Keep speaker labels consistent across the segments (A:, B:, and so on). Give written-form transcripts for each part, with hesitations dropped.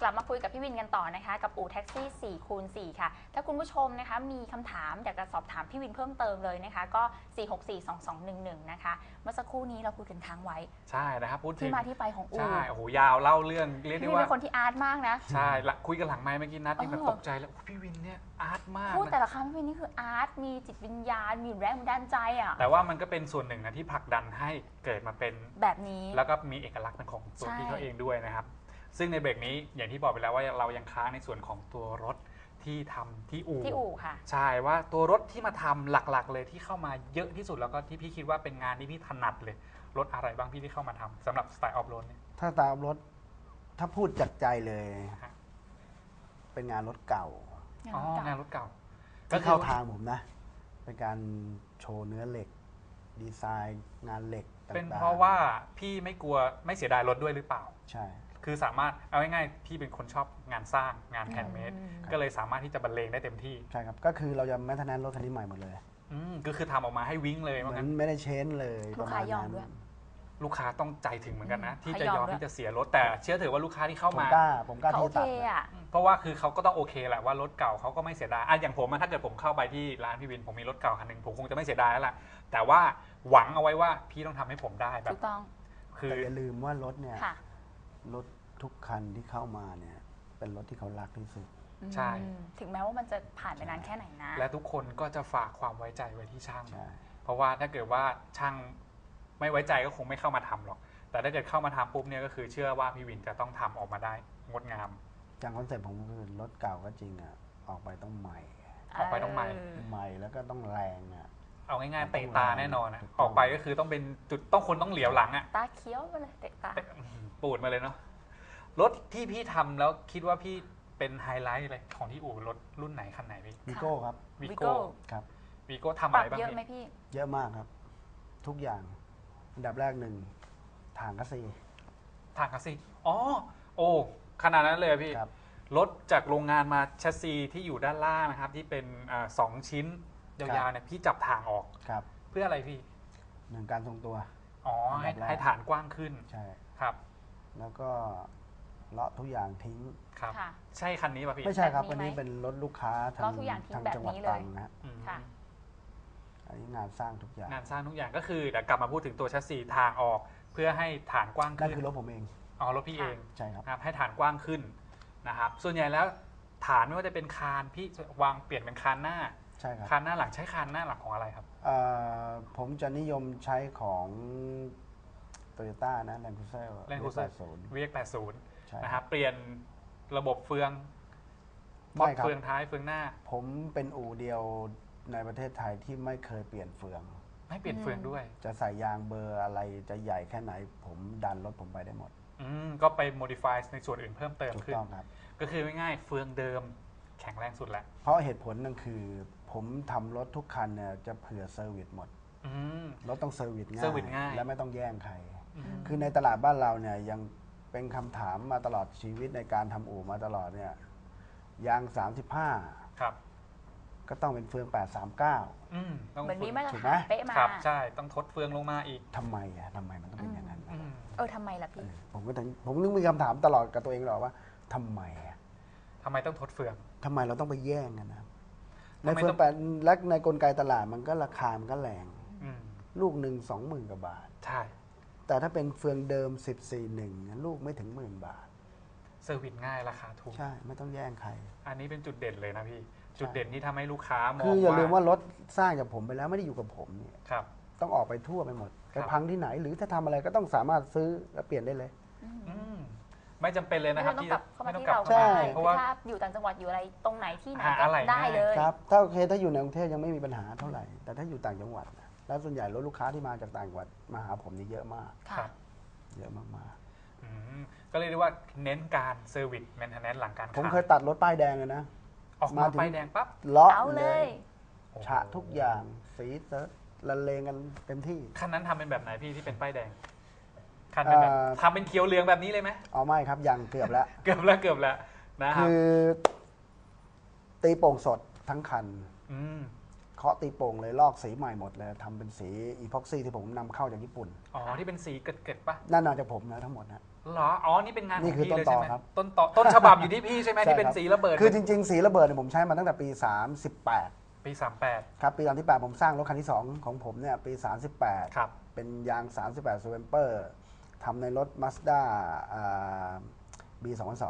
A: ลับมาคุยกับพี่วินกันต่อนะคะกับอู่แท็กซี่4คูณ4ค่ะถ้าคุณผู้ชมนะคะมีคำถามอยากจะสอบถามพี่วินเพิ่มเติมเลยนะคะก็4642211นะคะเมื่อสักครู่นี้เราคุยกันค้างไว้
B: ใช่นะครับพูดถึง
A: ที่มาที่ไปของอู่
B: ใช่โอ้โหยาวเล่าเรื่องเรียกได้ว่า
A: พี่วินเป็นคนที่อาร์ตมากนะ
B: ใช่คุยกันหลังไมค์เมื่อกี้นัดนี่แบบตกใจแล้วพี่วินเนี่ยอาร์ตมาก
A: พูดแต่ละคำพี่วินนี่คืออาร์ตมีจิตวิญญาณมีแรงบันดาลใจอ่ะ
B: แต่ว่ามันก็เป็นส่วนหนึ่งนะที่ผลักดันให้เกิดมาเป็น
A: แบบนี้
B: แล้วก็มีเอกลักษณ์เป็นของตัวพี่เขาเองด้วยนะครับซึ่งในเบรกนี้อย่างที่บอกไปแล้วว่าเรายังค้างในส่วนของตัวรถที่ทำที่อู่
A: ค่ะ
B: ใช่ว่าตัวรถที่มาทำหลักๆเลยที่เข้ามาเยอะที่สุดแล้วก็ที่พี่คิดว่าเป็นงานที่พี่ถนัดเลยรถอะไรบ้างพี่ที่เข้ามาทำสำหรับสไตล์ออฟโรดเนี่ย
C: ถ้าตามรถถ้าพูดจากใจเลย เป็นงานรถเก่า
B: อ๋องานรถเก่า
C: ก็เข้าทางผมนะเป็นการโชว์เนื้อเหล็กดีไซน์งานเหล็กต่างๆ
B: เป็นเพราะว่าพี่ไม่กลัวไม่เสียดายรถด้วยหรือเปล่า
C: ใช่
B: คือสามารถเอาง่ายๆพี่เป็นคนชอบงานสร้างงานแฮนด์เมดก็เลยสามารถที่จะบรรเลงได้เต็มที่
C: ใช่ครับก็คือเราจะแมทแนนรถคันนี้ใหม่หมดเลย
B: ก็คือทำออกมาให้วิ่งเลย
C: เหมือนไม่ได้เชนเลย
A: ประมาณนั้น
B: ลูกค้าต้องใจถึงเหมือนกันนะที่จะยอมที่จะเสียรถแต่เชื่อถือว่าลูกค้าที่เข้ามา
C: ผมกล้าที่จะตัด
B: เพราะว่าคือเขาก็ต้องโอเคแหละว่ารถเก่าเขาก็ไม่เสียดายอย่างผมถ้าเกิดผมเข้าไปที่ร้านพี่วินผมมีรถเก่าคันหนึ่งผมคงจะไม่เสียดายแล้วล่ะแต่ว่าหวังเอาไว้ว่าพี่ต้องทำให้ผมได้แบบ
A: ถูกต้อง
C: คืออย่าลืมว่ารถเนี่ยรถทุกคันที่เข้ามาเนี่ยเป็นรถที่เขารักที่สุด
B: ใช่
A: ถึงแม้ว่ามันจะผ่านไปนานแค่ไหนนะ
B: และทุกคนก็จะฝากความไว้ใจไว้ที่ช่างเพราะว่าถ้าเกิดว่าช่างไม่ไว้ใจก็คงไม่เข้ามาทำหรอกแต่ถ้าเกิดเข้ามาทำปุ๊บเนี่ยก็คือเชื่อว่าพี่วินจะต้องทำออกมาได้งดงาม
C: จากคอนเซ็ปต์ผมคือรถเก่าก็จริงอ่ะออกไปต้องใหม่แล้วก็ต้องแรงอ่ะ
B: เอาง่ายๆเตะตาแน่นอนนะออกไปก็คือต้องเป็นจุดต้องคนต้องเหลียวหลังอ่ะ
A: ตาเขียวมาเลยเตะตา
B: ปูดมาเลยเนาะรถที่พี่ทำแล้วคิดว่าพี่เป็นไฮไลท์อะไรของที่อู่รถรุ่นไหนคันไหนพี่
C: วีโก้ครับ
B: วีโก้
C: ครับ
B: วีโก้ทำอะไรบ้าง
A: เยอะไหมพี่
C: เยอะมากครับทุกอย่างอันดับแรกหนึ่งถังคัสซี
B: อ๋อโอ้ขนาดนั้นเลยพี่รถจากโรงงานมาแชสซีที่อยู่ด้านล่างนะครับที่เป็น2 ชิ้นยาวๆเนี่ยพี่จับถ่างออกเพื่ออะไรพี่
C: หนึ่งการทรงตัว
B: อ๋อให้ฐานกว้างขึ้น
C: ใช่
B: ครับ
C: แล้วก็เลาะทุกอย่างทิ้ง
B: ครับใช่คันนี้ป่ะพี่
C: ไม่ใช่ครับวันนี้เป็นรถลูกค้าทางจังหวัดตรังนะอันนี้งานสร้างทุกอย่าง
B: ก็คือเดี๋ยวกลับมาพูดถึงตัวแชสซีทางออกเพื่อให้ฐานกว้างขึ้น
C: นั่นคือรถผมเอง
B: อ๋อรถพี่เอง
C: ใช่ครับ
B: ให้ฐานกว้างขึ้นนะครับส่วนใหญ่แล้วฐานไม่ว่าจะเป็นคานพี่วางเปลี่ยนเป็นคานหน้า
C: ใช่ครับ
B: คานหน้าหลังใช้คานหน้าหลังของอะไรครับ
C: ผมจะนิยมใช้ของโตโยต้านะแลนด์ครูเซอร์
B: VX80นะครับเปลี่ยนระบบเฟืองเฟืองท้ายเฟืองหน้า
C: ผมเป็นอู่เดียวในประเทศไทยที่ไม่เคยเปลี่ยนเฟือง
B: ไม่เปลี่ยนเฟืองด้วย
C: จะใส่ยางเบอร์อะไรจะใหญ่แค่ไหนผมดันรถผมไปได้หมด
B: ก็ไป modify ในส่วนอื่นเพิ่มเติมขึ้น
C: ถูกต้องครับ
B: ก็คือง่ายๆเฟืองเดิมแข็งแรงสุดแหละ
C: เพราะเหตุผลนั่นคือผมทำรถทุกคันเนี่ยจะเผื่อเซอร์วิสหมดรถต้องเซอร์วิสง่ายและไม่ต้องแย่งใครคือในตลาดบ้านเราเนี่ยยังเป็นคำถามมาตลอดชีวิตในการทำอู่มาตลอดเนี่ยยาง35
B: ครับ
C: ก็ต้องเป็นเฟือง839
A: เหมือนมีมาตรฐานเป๊ะมา
B: ใช่ต้องทดเฟืองลงมาอีก
C: ทำไมมันต้องเป็นอย่างนั้น
A: ทำไมล่ะพี่
C: ผมนึกมีคำถามตลอดกับตัวเองหรอว่าทำไม
B: ต้องทดเฟือง
C: ทำไมเราต้องไปแย่งกันนะในเฟืองแปดและในกลไกตลาดมันก็ราคามันก็แรงลูกหนึ่ง20,000 กว่าบาท
B: ใช่
C: แต่ถ้าเป็นเฟืองเดิม14.1ลูกไม่ถึง10,000 บาท
B: เซอร์วิสง่ายราคาถูก
C: ใช่ไม่ต้องแย่งใคร
B: อันนี้เป็นจุดเด่นเลยนะพี่จุดเด่นที่ทำให้ลูกค้ามอง
C: คืออย่าลืมว่ารถสร้างจากผมไปแล้วไม่ได้อยู่กับผมเนี่ย
B: ครับ
C: ต้องออกไปทั่วไปหมดไปพังที่ไหนหรือถ้าทำอะไรก็ต้องสามารถซื้อและเปลี่ยนได้เลย
B: ไม่จำเป็นเลยนะครับ
A: ที่ไม่ต้องกลับเข้ามาที่เราเพราะว่าถ้าอยู่ต่างจังหวัดอยู่อะไรตรงไหนที่ไหนก็ได้เลย
C: ครับถ้าโอเคถ้าอยู่ในกรุงเทพยังไม่มีปัญหาเท่าไหร่แต่ถ้าอยู่ต่างจังหวัดแล้วส่วนใหญ่รถลูกค้าที่มาจากต่างจังหวัดมาหาผมนี่เยอะมากเยอะมาก
B: ก็เรียกได้ว่าเน้นการเซอร์วิสแมนเทนแนนซ์หลังการขาย
C: ผมเคยตัดรถป้ายแดงเลยนะ
B: ออกมาป้ายแดงปั๊บ
C: เลาะเลยฉะทุกอย่างสีละเลงกันเต็มที่
B: คันนั้นทำเป็นแบบไหนพี่ที่เป็นป้ายแดงคันเป็นแบบทำเป็นเขียวเหลืองแบบนี้เลยไหม
C: อ๋อไม่ครับยังเกือบแล้ว
B: นะครับ
C: คือตีโป่งสดทั้งคันเคาะตีโป่งเลยลอกสีใหม่หมดเลยทำเป็นสีอีพ็อกซี่ที่ผมนำเข้าจากญี่ปุ่น
B: อ๋อที่เป็นสีเกิดๆป่ะ
C: นั่นมาจากผมนะทั้งหมดนะ
B: เหรออ๋อนี่เป็นงานของ
C: นี่คือ
B: พี่เลยใช่ไหม
C: ต้นตอครับ
B: ต้นฉบับอยู่ที่พี่ใช่ไหม
C: ใช่
B: ที่เป็น
C: ครับ
B: สีระเบิด
C: คือจริงๆสีระเบิดเนี่ยผมใช้มาตั้งแต่ปี 38
B: ปี 38
C: ครับปี38ผมสร้างรถคันที่ 2 ของผมเนี่ยปี 38
B: ครับ
C: เป็นยาง 38 s w a m p e r ทำในรถ Mazda B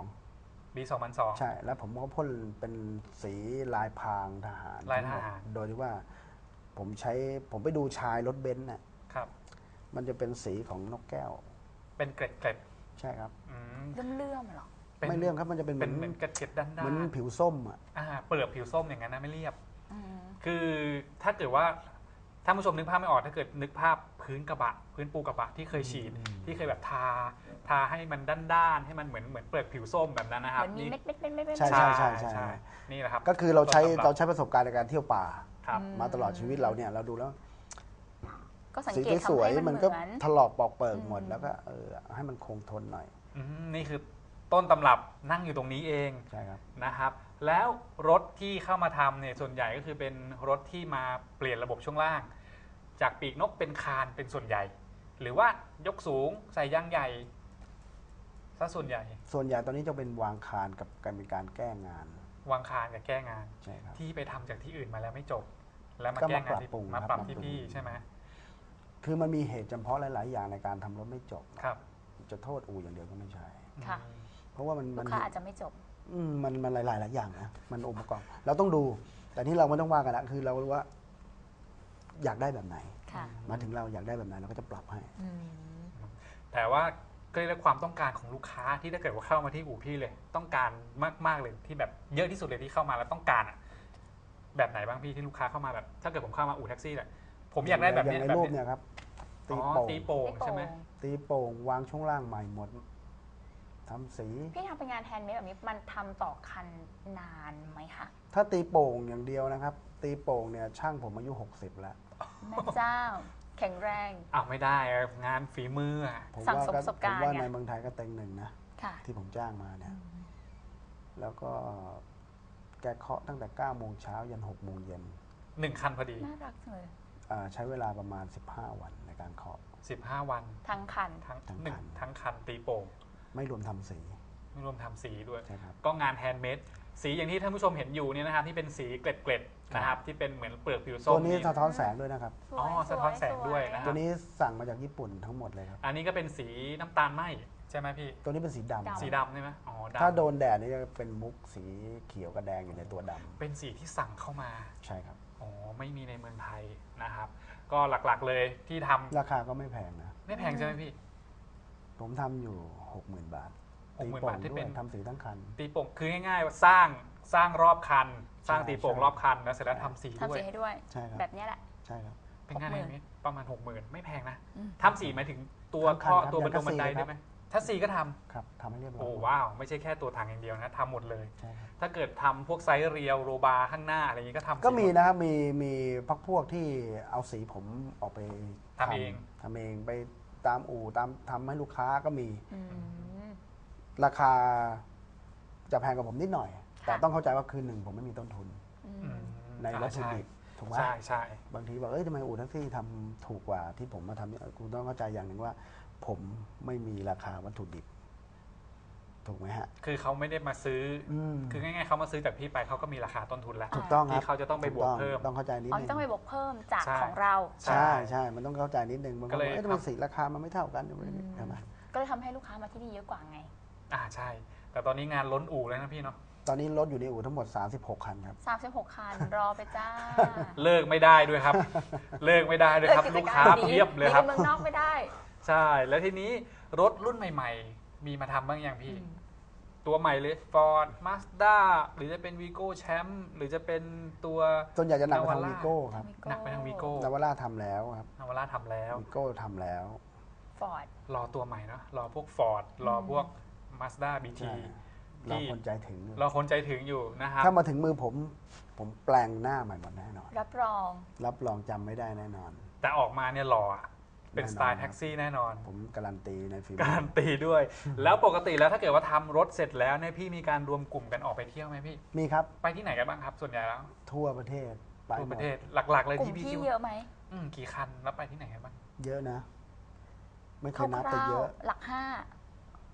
C: 2002
B: ปี 2002
C: ใช่แล้วผมก็พ่นเป็นสีลายพรางทหาร
B: ลายทหาร
C: โดยที่ว่าผมไปดูชายรถเบนซ์น่ะ
B: ครับ
C: มันจะเป็นสีของนกแก้ว
B: เป็นเกล็ด
C: ใช่ครับ
B: อืม
A: เลื่อมๆเหรอ
B: ป็น
C: ไม่เลื่อมครับมันจะเป็น
B: เหมือนเกล็ดด้านๆ
C: เหมือนผิวส้มอ่ะ
B: เปลือกผิวส้มอย่างนั้นนะไม่เรียบ
A: อืม
B: คือถ้าเกิดว่าท่านผู้ชมนึกภาพไม่ออกถ้าเกิดนึกภาพพื้นกระบะ พื้นปูกระบะที่เคยฉีด ที่เคยแบบทาให้มันด้านๆให้มันเหมือนเปลือกผิวส้มแบบนั้นนะค
A: เห
B: รับ
A: มือนมีเม็ด
C: ใช่
B: ใช่นี่แหละครับ
C: ก็คือเราใช้
B: ต้นตำรับ
C: ประสบการณ์ในการเที่ยวป่า
B: ครับ
C: มาตลอดชีวิตเราเนี่ยเราดูแล้ว
A: ก็สัง
C: สี
A: เกต
C: ส
A: ทำ
C: วย
A: ให้
C: ๆ
A: มั
C: มัน น
A: เห
C: ก็
A: มือน
C: ถลอกปอกเปิกหมด
A: อืม
C: แล้วก็ให้มันคงทนหน่อย
B: นี่คือต้นตำรับนั่งอยู่ตรงนี้เอง
C: ใช่ครับ
B: นะครับ แล้วรถที่เข้ามาทำเนี่ยส่วนใหญ่ก็คือเป็นรถที่มาเปลี่ยนระบบช่วงล่าง จากปีกนกเป็นคานเป็นส่วนใหญ่ หรือว่ายกสูงใส่ยางใหญ่ซะส่วนใหญ่
C: ส่วนใหญ่ตอนนี้จะเป็นวางคานกับการเป็นการแก้งาน
B: วางคานกับแก้งาน
C: ใช่ครับ
B: ที่ไปทำจากที่อื่นมาแล้วไม่จบ แล้วมา
C: ก็
B: แก้
C: มาง
B: านที่
C: ปรับปรุง
B: มา
C: ครับ
B: ปรับ
C: ปรับ
B: ที่
C: ปรุง
B: พี่ใช่ไหม
C: คือมันมีเหตุจำเพาะหลาย ๆ อย่างในการทำรถไม่จบ
B: ครับ
C: จะโทษอู่อย่างเดียวก็ไม่ใช่
A: ค่ะ
B: อืม
C: เพราะว่ามัน
A: ลูกค้าอาจจะไม่จบ
C: มันหลาย ๆ อย่างนะมันองค์ประกอบเราต้องดู แต่ที่เราไม่ต้องว่ากันละคือเรารู้ว่า อยากได้แบบไหน
A: ค่ะ
C: มาถึงเราอยากได้แบบไหนเราก็จะปรับให้
A: อืม
B: แต่ว่าก็เรียกว่าความต้องการของลูกค้าที่ถ้าเกิดว่าเข้ามาที่อู่พี่เลย ต้องการมากๆเลยที่แบบเยอะที่สุดเลยที่เข้ามาแล้วต้องการอะแบบไหนบ้างพี่ที่ลูกค้าเข้ามาแบบ ถ้าเกิดผมเข้ามาอู่แท็กซี่แหละผมอยากได้แบบ
C: อย่า
B: นี้
C: งใน
B: แบบ
C: รูป
B: นี้
C: เนี่ยครับ
B: อ๋
C: ตี
B: อ
C: โป่ง
B: ตีโป่งใช่ไหม
C: ตีโป่งวางช่วงล่างใหม่หมดทำสี
A: พี่ทำเป็นงานแฮนด์เมดแบบนี้มันทำต่อคันนานไหมคะ
C: ถ้าตีโป่งอย่างเดียวนะครับ ตีโป่งเนี่ยช่างผมอายุ 60 แล้ว
A: แม่เจ้า แข็งแรง
B: อ้าวไม่ได้อะงานฝีมืออะ
C: ผม
A: สั่ง
C: ว่า
A: สมประสบการณ์
C: ผมว่า
A: ไง
C: ในเมืองไทยก็เต็งหนึ่งนะ
A: ค่ะ
C: ที่ผมจ้างมาเนี่ย แล้วก็แกเคาะตั้งแต่ 9 โมงเช้ายัน 6 โมงเย็น
B: 1 คันพอดี
A: น่ารักจังเลย
C: ใช้เวลาประมาณ 15 วันในการเคาะ
B: 15 วัน
A: ทั้งคัน
B: ทั้ง
C: ทั้ง
B: หนึ่ง
C: คัน
B: ทั้งคันตีโป่ง
C: ไม่รวมทำสี
B: ไม่รวมทำสีด้วย
C: ใช่ครับ
B: ก็งานแฮนด์เมดสีอย่างที่ท่านผู้ชมเห็นอยู่เนี่ยนะครับที่เป็นสีเกล็ดๆนะครับที่เป็นเหมือนเปลือกผิวส้
C: ตัว
B: ม
C: นี้สะท้อนแสงด้วยนะครับ
A: สวย
B: อ๋อสะท้อนแสงด้วยนะค
C: ตั
B: รับ
C: วนี้สั่งมาจากญี่ปุ่นทั้งหมดเลยครับ
B: อันนี้ก็เป็นสีน้ำตาลไหมใช่ไหมพี่
C: ตัวนี้เป็นสีดำ
B: สีดำใช่ไหมอ๋อดำ
C: ถ้าโดนแดดนี่จะเป็นมุกสีเขียวกับแดงอยู่ในตัวดำ
B: เป็นสีที่สั่งเข้ามา
C: ใช่ครับ
B: อ๋อไม่มีในเมืองไทยนะครับ ก็หลักๆเลยที่ทำ
C: ราคาก็ไม่แพงนะ
B: ไม่แพงใช่ไหมพี่
C: ผมทำอยู่ 60,000 บาท
B: 60,000 บาทที่
C: ด้ว
B: เป็
C: ย
B: น
C: ทำสีทั้งคัน
B: ตีโป่งคือง่ายๆว่าสร้างรอบคัน สร้าง
C: ใช่
B: ตีโป่ง
C: ใช่
B: รอบคันแล้วเสร็จแล้วทำสีด้
A: ทำ
B: วย
A: สีให้ด้วย
C: ใช่ครับ
A: แบบเนี้ยแหละ
C: ใช่ครับ
B: เป็นงาน
A: 60,000
B: อย่างนี้ประมาณ 60,000 ไม่แพงนะ
A: อืม
B: ทำสีหมายถึงตัว
C: ทั้งคัน
B: ท่อ
C: ครับ
B: ตัวบน
C: อย่าง
B: บันได
C: ทัศน์
B: ด้วยไหมถ้าสีก็ทำ
C: ครับทำให้เรียบร้อย
B: โอ้ว้าวไม่ใช่แค่ตัวถังอย่างเดียวนะทำหมดเลย
C: ใช่ครับ
B: ถ้าเกิดทำพวกไซส์เรียวโรบาร์ข้างหน้าอะไรอย่างนี้ก็ทำ
C: ก็มี
B: สีหด
C: นะครับมีพวกที่เอาสีผมออกไป
B: ทำเอง
C: ทำเองไปตามอู่ตามทำให้ลูกค้าก็มี
A: อืม
C: ราคาจะแพงกว่าผมนิดหน่อย แต่
A: ค่ะ
C: ต้องเข้าใจว่าคืนหนึ่งผมไม่มีต้นทุน
A: อื
B: อื
A: ม
B: ม
C: ในวัตถุดิบถูกไหม
B: ใช่ใช่
C: บางทีบอกทำไมอู่แท็กซี่ทำถูกกว่าที่ผมมาทำเนี่ยคุณต้องเข้าใจอย่างหนึ่งว่า ผมไม่มีราคาวัตถุดิบ ถูกไหมฮะ
B: คือเขาไม่ได้มาซื้ออ
C: ม
B: คือง่ายๆเขามาซื้อจากพี่ไปเขาก็มีราคาต้นทุนแล้ว
C: ถูกต้องครับ
B: ที่เขาจะต้องไปบวกเพิ่ม
C: ต้องเข้าใจนิด
A: อ๋อ
C: นึง
A: ต้องไปบวกเพิ่มจาก
B: ใช่
A: ของเรา
B: ใช่
C: ใช่ มันต้องเข้าใจนิดนึงบางค
B: ก็
C: น
B: เลย
C: บอกทำไมสีราคามันไม่เท่ากันใช่ไหม
A: ก็เลยทำให้ลูกค้ามาที่นี่เยอะกว่าไง
B: ใช่ แต่ตอนนี้งานล้นอู่แล้วนะพี่เนาะ
C: ตอนนี้รถอยู่ในอู่ทั้งหมด 36 คันครับ
A: 36 คัน รอไปจ้า
B: เลิกไม่ได้ด้วยครับ เลิกไม่ได้ด้วยครับ ลูกค้าเพียบเลยครับ
A: หนีไปเมืองนอกไม่ได้
B: ใช่ แล้วทีนี้รถรุ่นใหม่ๆ มีมาทำบ้างยังพี่ ตัวใหม่เลย Ford Mazda หรือจะเป็น Vigo Champ หรือจะเป็นตัว
C: ส่วนใหญ่จะหนักไปทาง
B: Navara
C: วีโก้ครับ
B: หนักไปทาง Vigo
C: นาวาร่าทำแล้วครับ
B: นาวาร่าทำแล้ว
C: วีโก้ทำแล้ว
A: ฟอร์ด
B: รอตัวใหม่เนาะรอพวก Ford รอพวก Mazda BT
C: ใช่ เราคนใจถึงอยู่
B: รอคนใจถึงอยู่นะครับ
C: ถ้ามาถึงมือผมแปลงหน้าใหม่หมดแน่นอน
A: รับรอง
C: รับรองจำไม่ได้แน่นอน
B: แต่ออกมาเนี่ยหล่ออะเป็น
C: แน่นอน
B: สไตล์แท็กซี่แน่นอน
C: ผมการันตีในฝีมื
B: การันตีด้วย แล้วปกติแล้วถ้าเกิดว่าทำรถเสร็จแล้วเนี่ยพี่มีการรวมกลุ่มกันออกไปเที่ยวไหมพี่
C: มีครับ
B: ไปที่ไหนกันบ้างครับ ส่วนใหญ่แล้ว
C: ทั่วประเทศไป
B: ทั่ว
C: หม
B: ป
C: ด
B: ระเทศหลักๆเลย
A: กลุ่ม
B: ที่พี่
A: พี่
B: คิด
A: เย
B: ว่า
A: อะไหม
B: กี่คันแล้วไปที่ไหนกันบ้าง
C: เยอะนะ ไม่เค
A: ค
C: ยนับแต่
A: ร่าว
C: เยอะ
A: ๆหลัก 5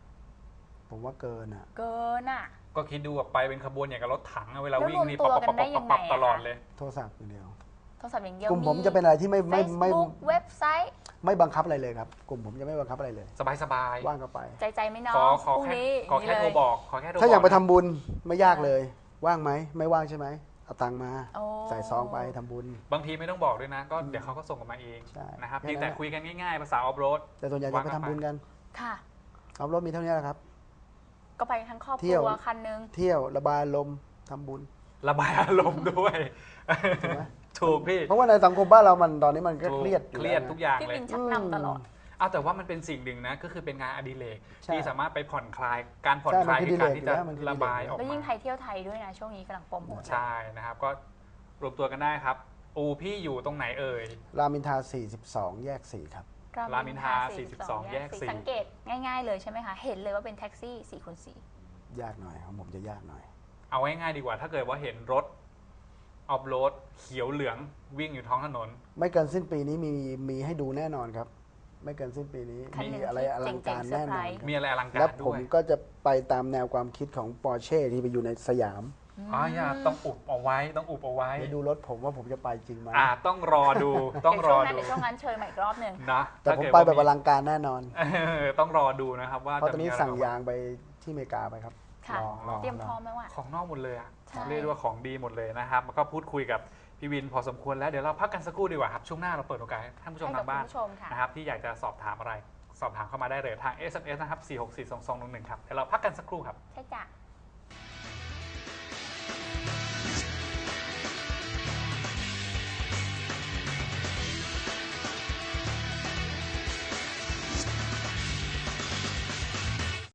C: ผมว่าเกินอ่ะ
A: เกินอ่ะ
B: ก็คิดดูแบบไปเป็นขบวนอย่างกับรถถังอะเวลาวิ่งนี่
A: แล้วรวมตัวกันได้ยังไงอะ
B: ตลอดเลย
C: โทรศัพท์อย่างเดียว
A: โทรศัพท์อย่างเดียว
C: กลุ่มผมจะเป็นอะไรที่ไม่
A: Facebook เว็บไซต์
C: ไม่บังคับอะไรเลยครับ กลุ่มผมจะไม่บังคับอะไรเลย
B: สบาย
C: ว่างก็ไป
A: ใจไม่น้อ
B: ๆ
A: ง
B: ขอ
A: พรุ่ง
B: แค่
A: นี้
B: ขอแค่โทรบอกขอแค่โทรบอก
C: ถ้าอยากไปทำ
B: นะ
C: บุญไม่ยากเลย ว่างไหมไม่ว่างใช่ไหมเอาตังค์มา
A: โอ้
C: ใส่ซองไปทำบุญ
B: บางทีไม่ต้องบอกด้วยนะ ก็เดี๋ยวเขาก็ส่งกันมาเอง
C: ใช่
B: นะครับ
C: แค่
B: เพียง
C: นั้น
B: แต่
C: แหละ
B: คุยกันง่ายๆภาษาออฟโรด
C: แต่ส่วนใหญ่จะไปทำบุญกัน
A: ค่ะ
C: ออฟโรดมีเท่านี้แหละครับ
A: ก็ไปทั้งครอบค
C: เที่
A: รั
C: ยว
A: วคันนึง
C: เที่ยวระบายลมณ์ทำบุญ
B: ระบายอารมณ์ด้วย
C: ถูกไหม
B: ถูกพี่
C: เพราะว่าในสังคมบ้านเรามันตอนนี้มันก็เครียด
B: เครียดทุกอย่าง
A: พี่
B: เลย
A: วินชักนำตลอด
B: เอาแต่ว่ามันเป็นสิ่งหนึ่งนะก็คือเป็นงานอดิเรก
C: ใช่
B: ที่สามารถไปผ่อนคลายการผ่อน
C: ใช่
B: คลาย
C: มันคือ
B: คือการที่จะ
C: อดิเรกอยู่แล้วมันคืออดิเรก
B: ระบายออก
A: แล้ว
B: มา
A: ยิ่งไทยเที่ยวไทยด้วยนะ ช่วงนี้กำลังโปรโมท
B: ใช่นะครับก็รวมตัวกันได้ครับพี่อยู่ตรงไหนเอ่ย
C: รามอินทรา42 แยก 4 ครับ
B: รามอินทรา42แยก4
A: สังเกตง่ายๆเลยใช่ไหมคะ เห็นเลยว่าเป็นแท็กซี่4x4
C: ยากหน่อยของผมจะยากหน่อย
B: เอาง่ายๆดีกว่าถ้าเกิดว่าเห็นรถออฟโรดเขียวเหลืองวิ่งอยู่ท้องถนน
C: ไม่เกินสิ้นปีนี้มีให้ดูแน่นอนครับ ไม่เกินสิ้นปีนี้
A: คันหนึ่
C: มี
A: ง
C: อะไร
A: ที่
C: อลังการ
A: เจ๋งๆ
C: แน่นอน
A: เซอร์ไพรส์
B: มีอะไรอลังกา
C: และ
B: ร
C: ผ
B: ด้
C: ม
B: วย
C: ก็จะไปตามแนวความคิดของปอร์เช่ที่ไปอยู่ในสยาม
B: อย่าต้องอุบเอาไว้ต้องอุบเอาไว้
C: ไปดูรถผมว่าผมจะไปจริงไหม
B: ต้องรอดูต้องรอดู
A: เดี๋ยวช่วงนั้นเชิญมาอีกรอบหนึ่ง
B: นะ
C: แต่ผม
B: ถ้าเกิด
C: ไปแบบอ
B: ว่า
C: ลังการแน่นอน
B: ต้องรอดูนะครับว่า
C: เพราะตอนนี้
B: จะมีะไร
C: สั่งยางไปที่อเมริกาไปครับ
A: ค่ะ
C: รอ
A: เตรียมพร้อมไหมวะ
B: ของนอกหมดเลยอะ
A: ใช่
B: เรียกได้ว่าของดีหมดเลยนะครับแล้วก็พูดคุยกับพี่วินพอสมควรแล้วเดี๋ยวเราพักกันสักครู่ดีกว่าครับช่วงหน้าเราเปิดโอกาสให้ท่านผู้ชม
A: ให้กับ
B: ทางบ้าน
A: คุณผู้ชมค่ะ
B: นะครับที่อยากจะสอบถามอะไรสอบถามเข้ามาได้เลยทาง SMS นะครับ4642211ครับเดี๋ยวเราพักกันสักครู่ครับ
A: ใช่จ้ะ